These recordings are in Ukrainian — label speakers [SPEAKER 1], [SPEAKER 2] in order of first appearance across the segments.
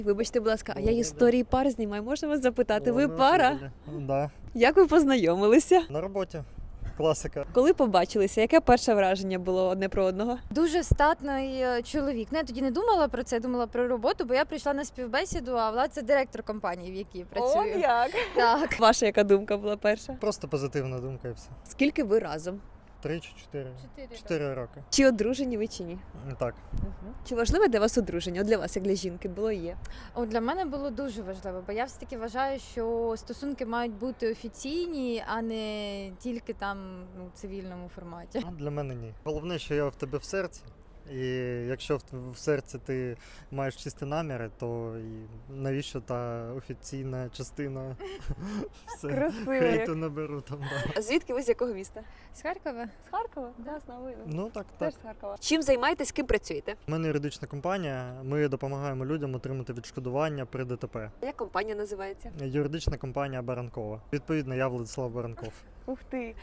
[SPEAKER 1] Вибачте, будь ласка, а я історії пар знімаю. Можна вас запитати? Ви
[SPEAKER 2] О,
[SPEAKER 1] пара?
[SPEAKER 2] Да.
[SPEAKER 1] Як ви познайомилися?
[SPEAKER 2] На роботі. Класика.
[SPEAKER 1] Коли побачилися, яке перше враження було одне про одного?
[SPEAKER 3] Дуже статний чоловік. Ну, я тоді не думала про це, думала про роботу, бо я прийшла на співбесіду, а Влад – це директор компанії, в якій працюю.
[SPEAKER 1] як?
[SPEAKER 3] Так.
[SPEAKER 1] Ваша яка думка була перша?
[SPEAKER 2] Просто позитивна думка і все.
[SPEAKER 1] Скільки ви разом?
[SPEAKER 2] 3 чи 4? 4 роки.
[SPEAKER 1] Чи одружені ви чи ні?
[SPEAKER 2] Так.
[SPEAKER 1] Чи важливе для вас одруження? От для вас, як для жінки, було і є?
[SPEAKER 3] От для мене було дуже важливо, бо я все-таки вважаю, що стосунки мають бути офіційні, а не тільки там в цивільному форматі.
[SPEAKER 2] А для мене ні. Головне, що я в тебе в серці. І якщо в серці ти маєш чисті наміри, то і навіщо та офіційна частина? Все.
[SPEAKER 1] Красиво.
[SPEAKER 2] Хейту наберу там. Да.
[SPEAKER 1] А звідки ви з якого міста?
[SPEAKER 3] З Харкова?
[SPEAKER 1] З Харкова? Да, знаю.
[SPEAKER 2] Ну так.
[SPEAKER 1] Теж з Харкова. Чим займаєтесь, ким працюєте?
[SPEAKER 2] У мене юридична компанія. Ми допомагаємо людям отримати відшкодування при ДТП.
[SPEAKER 1] Як компанія називається?
[SPEAKER 2] Юридична компанія Баранкова. Відповідно, я Владислав Баранков.
[SPEAKER 1] Ух ти.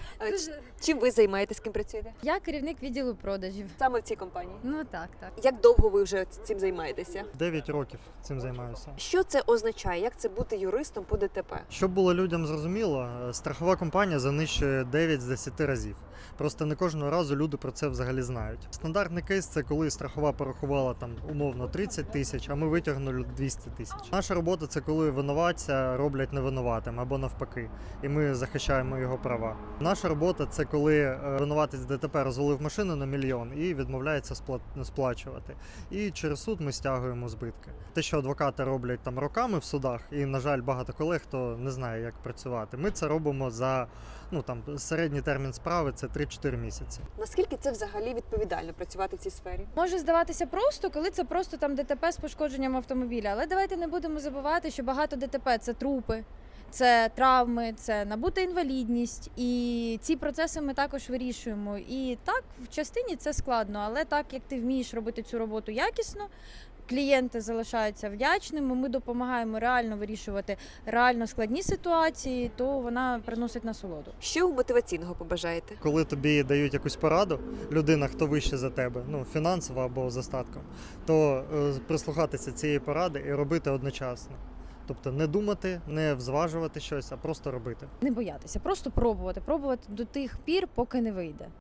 [SPEAKER 1] Чим ви займаєтесь, ким працюєте?
[SPEAKER 3] Я керівник відділу продажів.
[SPEAKER 1] Саме в цій компанії.
[SPEAKER 3] Ну так.
[SPEAKER 1] Як довго ви вже цим займаєтеся?
[SPEAKER 2] 9 років цим займаюся.
[SPEAKER 1] Що це означає? Як це бути юристом по ДТП?
[SPEAKER 2] Щоб було людям зрозуміло, страхова компанія занищує 9 з 10 разів. Просто не кожного разу люди про це взагалі знають. Стандартний кейс – це коли страхова порахувала там умовно 30 тисяч, а ми витягнули 200 тисяч. Наша робота – це коли винуватця роблять невинуватим або навпаки, і ми захищаємо його права. Наша робота – це коли винуватець ДТП розвалив машину на 1 мільйон і відмовляється сплачувати. І через суд ми стягуємо збитки. Те, що адвокати роблять там роками в судах, і, на жаль, багато колег, хто не знає, як працювати. Ми це робимо за середній термін справи – це 3-4 місяці.
[SPEAKER 1] Наскільки це взагалі відповідально працювати в цій сфері?
[SPEAKER 3] Може здаватися просто, коли це просто там ДТП з пошкодженням автомобіля. Але давайте не будемо забувати, що багато ДТП – це трупи, це травми, це набута інвалідність. І ці процеси ми також вирішуємо. І так, в частині це складно, але так, як ти вмієш робити цю роботу якісно, клієнти залишаються вдячними, ми допомагаємо реально вирішувати реально складні ситуації, то вона приносить насолоду.
[SPEAKER 1] Що ви мотиваційного побажаєте?
[SPEAKER 2] Коли тобі дають якусь пораду, людина, хто вище за тебе, фінансово або за статком, то прислухатися цієї поради і робити одночасно. Тобто не думати, не взважувати щось, а просто робити.
[SPEAKER 3] Не боятися, просто пробувати до тих пір, поки не вийде.